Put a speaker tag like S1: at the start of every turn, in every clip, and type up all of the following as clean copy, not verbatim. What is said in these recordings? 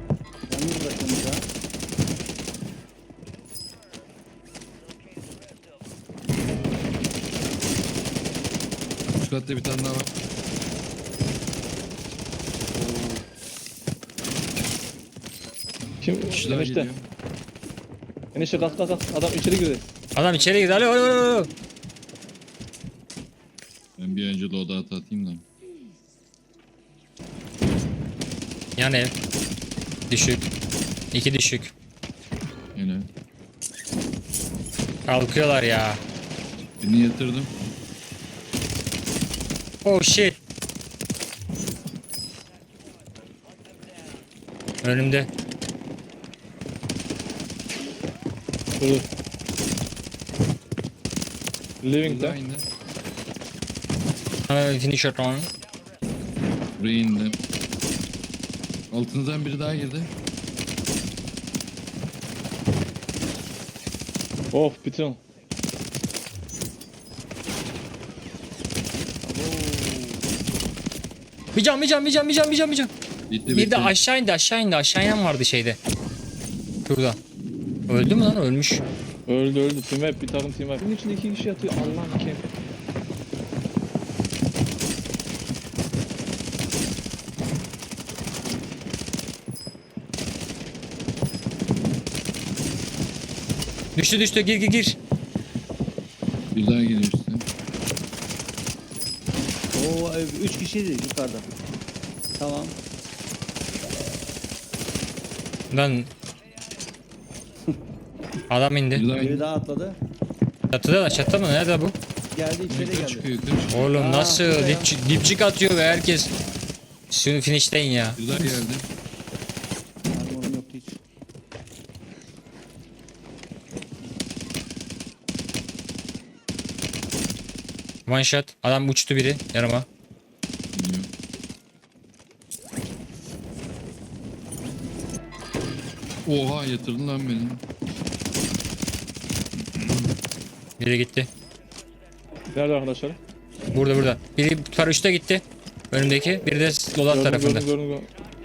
S1: Yalnız bırakıyorsunuz ha.
S2: Üst katta bir tane daha var.
S3: Kim?
S2: Kişi daha
S3: Enişte.
S2: geliyor.
S3: Enişte kalk kalk kalk. Adam içeri girdi.
S4: Adam içeri girdi. Alo alo alo.
S2: Ben bir önce loadout atayım da.
S4: Yan ev. Düşük. 2 düşük.
S2: Yine.
S4: Kalkıyorlar ya.
S2: Birini yatırdım.
S4: Oh shit. Önümde.
S3: Dur. Living
S2: Bir daha
S3: de.
S2: indi.
S4: Finish it on.
S2: Buraya indi. Altınızdan biri daha girdi.
S3: Of bitin.
S4: Bir can.
S2: Bitti
S4: Bir de aşağı indi. Aşağı inen vardı şeyde. Şurada. Öldü mü lan? Ölmüş.
S3: Öldü. Team web. Bir takım team web. Bunun içinde 2 kişi yatıyor. Allah'ım kim?
S4: Düştü. Gir.
S2: Bir daha geliyor işte.
S1: Oo 3 kişiydi yukarıda. Tamam.
S4: Lan. Adam
S2: Bir
S4: indi.
S2: daha
S1: Biri
S2: indi.
S1: daha atladı.
S4: Çatıda mı? Nerede bu?
S1: Geldi içeri
S2: Yukarı
S1: geldi.
S2: çıkıyor yukarı çıkıyor.
S4: Oğlum
S1: Aa,
S4: nasıl?
S1: şurada ya.
S4: Dipçik atıyor ve herkes. Şunu finishleyin ya.
S2: Bir daha geldi.
S1: Armorum yoktu hiç.
S4: One shot. Adam uçtu biri yanıma.
S2: Geliyor. Oha yatırdın lan beni.
S4: Biri gitti.
S3: Nerede arkadaşlar?
S4: Burada. Biri paraşütte gitti. Önümdeki. Biri de loadout tarafında.
S3: Gördüm.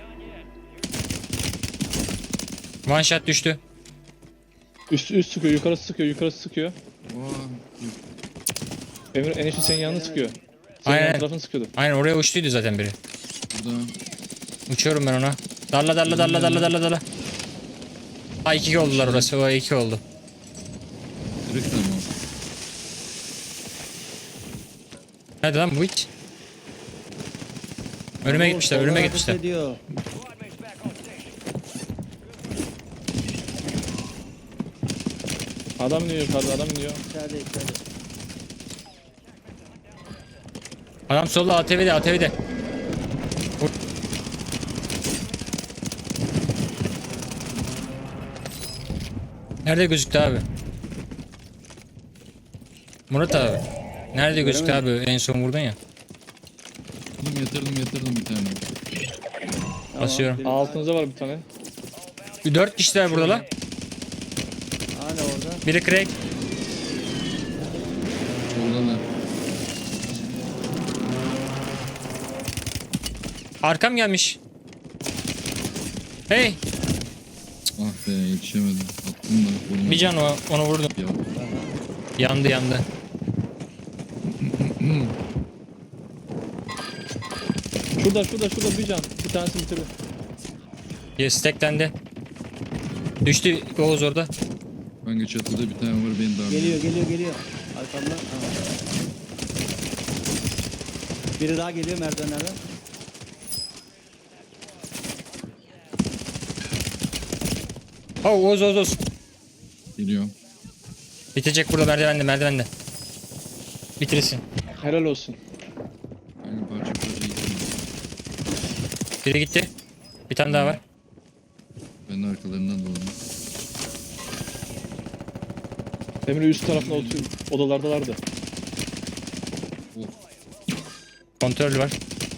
S4: One shot düştü.
S3: Üst sıkıyor. Yukarı sıkıyor.
S2: Oha.
S3: Emir enişte senin yanını sıkıyor. Senin
S4: Aynen.
S3: yan tarafını sıkıyordu.
S4: Aynen oraya uçtuydu zaten biri.
S2: Burada.
S4: Uçuyorum ben ona. Darla. Ha 2 oldular orası. O 2 oldu.
S2: Kırık tamam.
S4: Nerede lan bu hiç? Önüme gitmişler.
S1: Soldan ateş ediyor.
S3: Adam iniyor yukarıda.
S1: İçeride.
S4: Adam solda ATV'de. Vur. Nerede gözüktü abi? Murat abi. Nerede gözüktü abi? En son vurdun ya.
S2: Yatırdım bir tane.
S1: Tamam,
S4: Basıyorum.
S1: biri-
S3: Altınızda var bir tane.
S4: 4 kişiler burada lan.
S1: Hala orada.
S4: Biri crack.
S2: Orada da.
S4: Arkam gelmiş. Hey.
S2: Ah be yetişemedim. Attım da. Vurmadım.
S4: Bir can onu vurdum.
S2: Ya.
S4: Yandı.
S3: Şurada bir can. Bir tanesi bitirdi.
S4: Stack'ten düştü Oğuz orada.
S2: Kanka çatıda bir tane var beni daha.
S1: Geliyor. Arkamda. Tamam. Biri daha geliyor merdivenlerden.
S4: Oh Oğuz.
S2: Geliyorum.
S4: Bitecek burada merdivende. Bitirsin.
S3: Helal olsun.
S2: Kanka parça gittim.
S4: Biri gitti. Bir tane daha var.
S2: Ben de arkalarından dolandım.
S3: Emre üst tarafında oturuyor. Odalardalardı.
S2: Of.
S4: Kontrol var.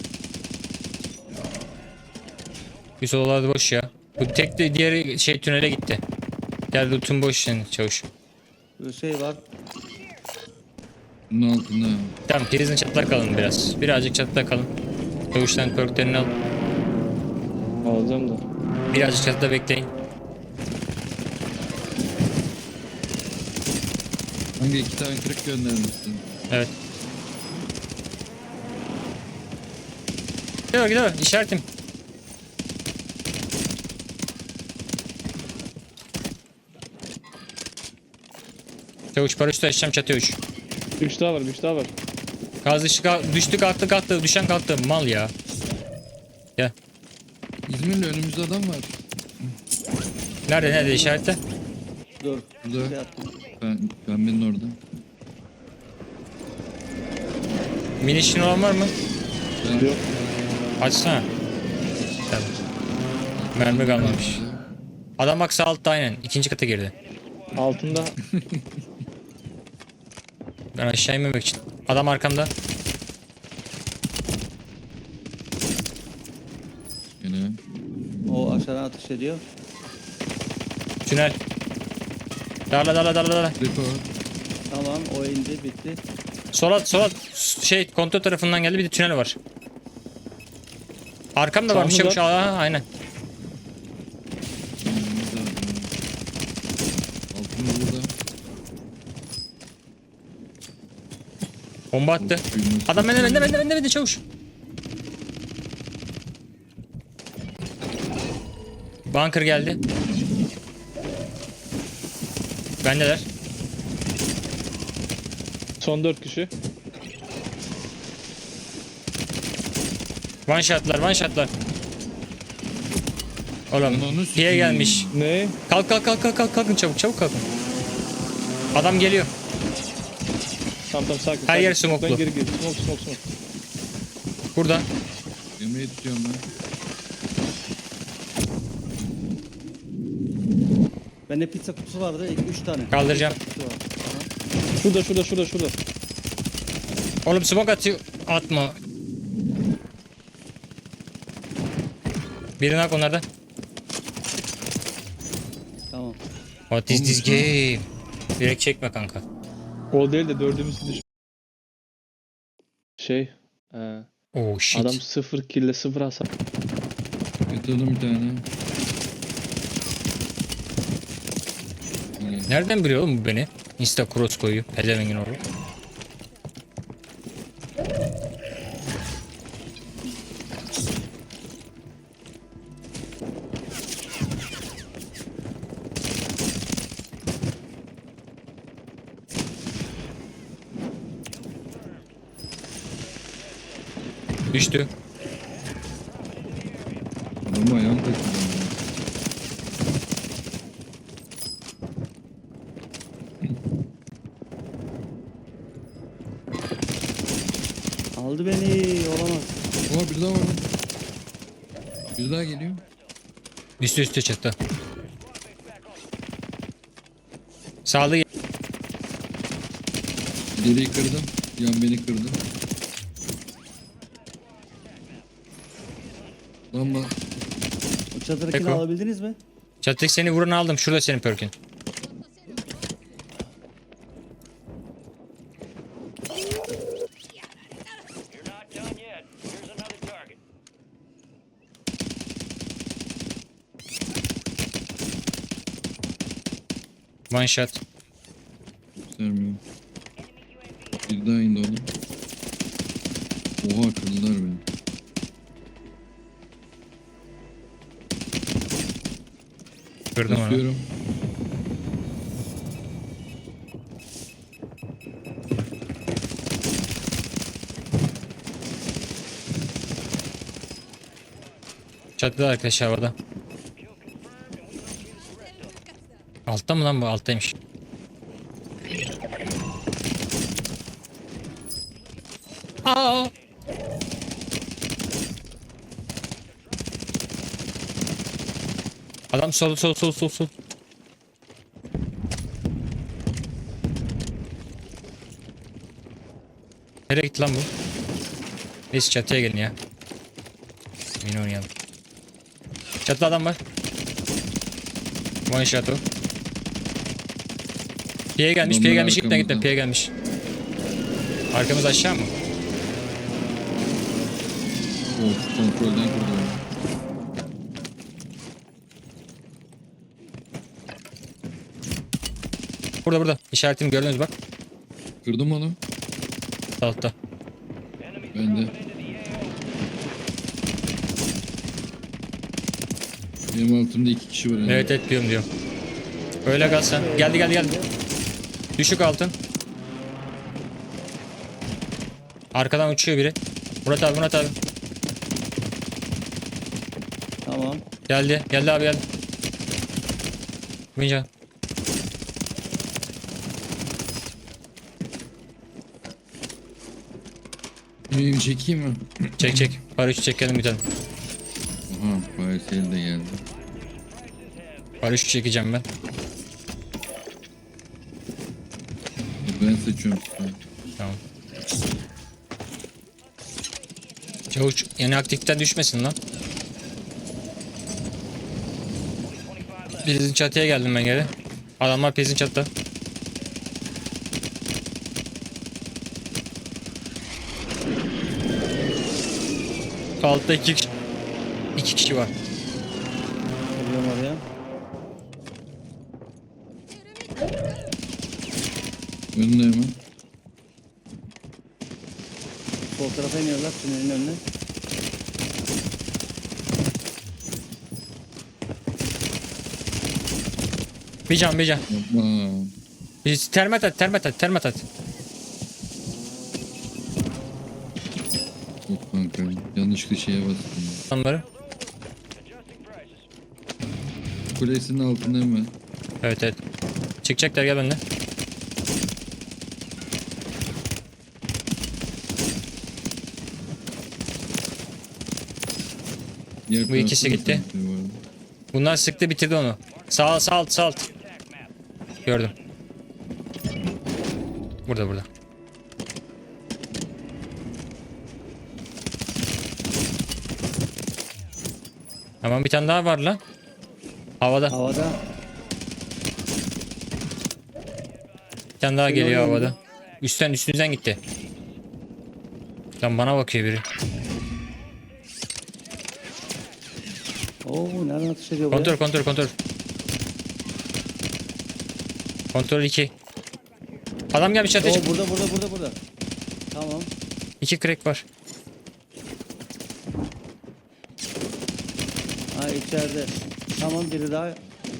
S4: Üst odalarda boş ya. Bu tek de diğeri tünele gitti. Diğer loot'un boş yani çavuş.
S1: Burada şey var.
S2: Bunun altında.
S4: Tamam prizin çatlak kalın biraz. Birazcık çatlak kalın. Çavuştan perklerini al.
S3: Alacağım da.
S4: Birazcık çatıda bekleyin.
S2: Hangi 2 tane kırık göndermişsin?
S4: Evet. Gidiyor gidiyor. İşaretim. Çavuş paraşütü açacağım çatıya uç.
S3: Bir kişi daha var, bir kişi daha var.
S4: Gaz dışı düştü kalktı. Düşen kalktı. Mal ya. Gel.
S2: İzmir'le önümüzde adam var.
S4: Nerede işarette?
S1: Dur.
S2: Burada.
S1: Şey attım.
S2: Pembenin orada.
S4: Minişin olan var mı?
S3: Yok.
S4: Açsana. Tamam. Mermi kalmamış. Adam bak sağ altta aynen. İkinci kata girdi.
S3: Altında.
S4: Ben aşağı inmemek için. Adam arkamda.
S2: Yine.
S1: O aşağıdan atış ediyor.
S4: Tünel. Darla.
S2: Depo.
S1: Tamam o indi bitti.
S4: Sola şey kontrol tarafından geldi bir de tünel var. Arkamda varmış
S3: Sağımda.
S4: çavuş. Aynen.
S2: Önümüzde adam. Altında burada.
S4: Bomba attı. Adam bende çavuş. Bunker geldi. Bendeler.
S3: Son 4 kişi.
S4: One shotlar. Oğlum
S2: Ananı
S4: diye
S2: sikeyim.
S4: gelmiş.
S3: Ne?
S4: Kalkın çabuk kalkın. Adam geliyor.
S3: Tamam sakin.
S4: Her yer
S3: Smoke'dan
S4: smoke'lu.
S3: geri gir. Smoke.
S4: Burada.
S2: Yemeği tutuyorum ben.
S1: Bende pizza kutusu vardı. 3 tane.
S4: Kaldıracağım.
S1: Pizza kutusu var. Tamam.
S3: Şurada.
S4: Oğlum smoke atıyor. Atma. Birini hak onlarda.
S1: Tamam.
S4: What is this game? Direkt çekme kanka.
S3: O değil de dördümüz düş. Şey.
S4: Oh shit.
S3: Adam 0 kill 0 hasar.
S2: Yatırdım bir tane. Öyle.
S4: Nereden biliyor oğlum bu beni? Insta cross koyuyor. Pedevengin oğlu. Düştü.
S2: Adamı ayağım takıldı.
S1: Aldı beni. Olamaz.
S2: Oha bir daha var. Bir daha geliyor.
S4: Üstü çıktı. Sağlı
S2: İleriyi kırdım. Yan beni kırdı. Lamba.
S1: O çadırdakini
S4: Eko.
S1: alabildiniz mi?
S4: çatık seni vuran aldım. Şurada senin perkin.
S5: You're not done yet. Here's another target.
S4: One shot.
S2: Göstermiyor. Bir daha indi onu. Oha kırdılar beni.
S4: Kırdım onu.
S2: Basıyorum.
S4: Çatıda arkadaşlar havada. Altta mı lan bu? Alttaymış. Aa! Adam sol. Nereye gitti lan bu? Neyse çatıya gelin ya. Yine oynayalım. Çatıda adam var. One shot o. Piye gelmiş
S2: Adamlar
S4: gitme
S2: arkamızda.
S4: piye gelmiş. Arkamız aşağı mı?
S2: Of kontrolden kırdı.
S4: Burada burada. İşaretimi gördünüz bak.
S2: Kırdım onu.
S4: Altta.
S2: Ben de. Benim altımda 2 kişi var.
S4: Evet evet diyorum. Öyle kal sen. Geldi. Düşük altın. Arkadan uçuyor biri. Murat abi.
S1: Tamam.
S4: Geldi abi geldi. Bincan.
S2: Benim çekeyim mi?
S4: Çek. Paraşüt çekelim bir tane.
S2: Aha, Parisel de geldi.
S4: Paraşüt çekeceğim ben.
S2: Ben seçiyorum size.
S4: Tamam. Çavuş yeni aktiften düşmesin lan. Prizin çatıya geldim ben geri. Adamlar prizin çatıda. Altta iki kişi var.
S1: Geliyorum oraya.
S2: Önünde hemen.
S1: Sol tarafa iniyorlar tünelin önüne.
S4: Bir can.
S2: Yapma.
S4: Biz termat at.
S2: Yok kanka. Yanlışlıkla şeye bastım.
S4: Adamları.
S2: Kulesinin altında hemen.
S4: Evet. Çıkacaklar gel benimle.
S2: Diğer
S4: Bu ikisi
S2: tarafta da
S4: gitti.
S2: sanki var.
S4: Bunlar sıktı bitirdi onu. Sağ alt. Gördüm. Burada. Tamam bir tane daha var lan. Havada.
S1: Havada.
S4: Bir tane daha geliyor
S1: Geliyor
S4: havada. Üstünüzden gitti. Lan bana bakıyor biri.
S1: Oo nereden atış ediyor buraya?
S4: Kontrol. Kontrol 2. Adam gelmiş ateş.
S1: Oo burada. Tamam.
S4: 2 crack var.
S1: Ha içeride. Tamam biri daha.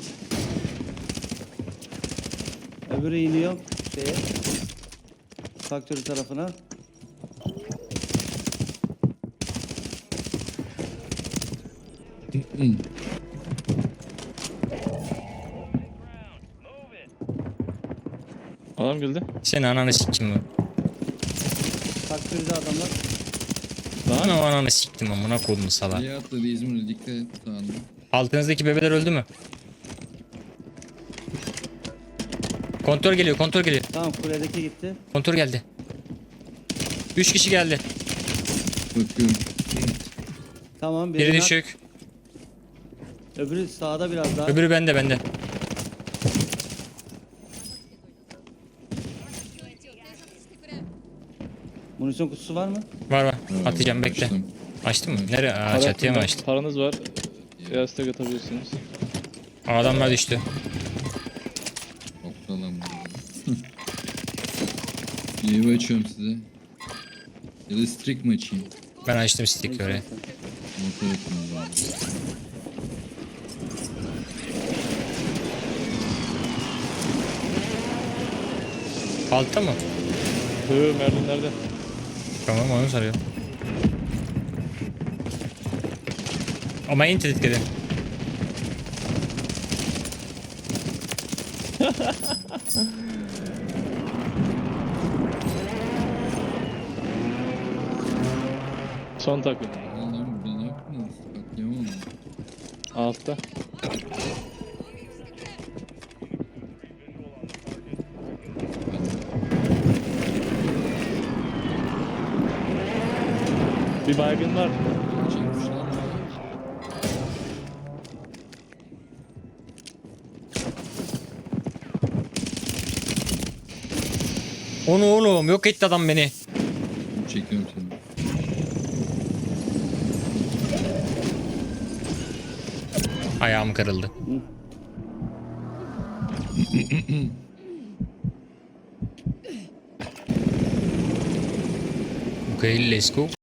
S1: Öbürü iniyor şeye. Faktörü tarafına.
S3: Adam geldi.
S4: Senin ananı siktim mi?
S1: Faktörde adamlar.
S4: Ananı siktim amına koydum salak.
S2: Diye atladı İzmir'e dikkat et sağında.
S4: Altınızdaki bebeler öldü mü? Kontrol geliyor.
S1: Tamam kuledeki gitti.
S4: Kontrol geldi. 3 kişi geldi.
S2: Bakıyorum.
S1: Tamam
S4: Biri
S1: biri nak.
S4: düşük.
S1: Öbürü sağda biraz daha.
S4: Öbürü bende.
S1: Munisyon kutusu var mı?
S4: Var. Atacağım bekle.
S2: Açtım.
S4: Açtın mı? Nereye? Aa, çatıya mı
S3: Paranız-
S4: açtın?
S3: Paranız var. Yastık atabilirsiniz.
S4: Adamlar düştü.
S2: Okta lan bu. Yayı açıyorum size. Ya da streak mi açayım?
S4: Ben açtım stick oraya.
S2: Motor etmem lazım.
S4: Altta mı?
S3: Merlin nerede?
S4: Tamam onu soruyor. Ama in tetikleri.
S3: Son takım.
S2: Lan burada ne yaptınız? Katliam oldu.
S3: Altta. Bir baygın var.
S2: Çekmişler mi?
S4: Onu oğlum yok etti adam beni.
S2: Çekiyorum seni.
S4: Ayağım kırıldı. Okay, let's go.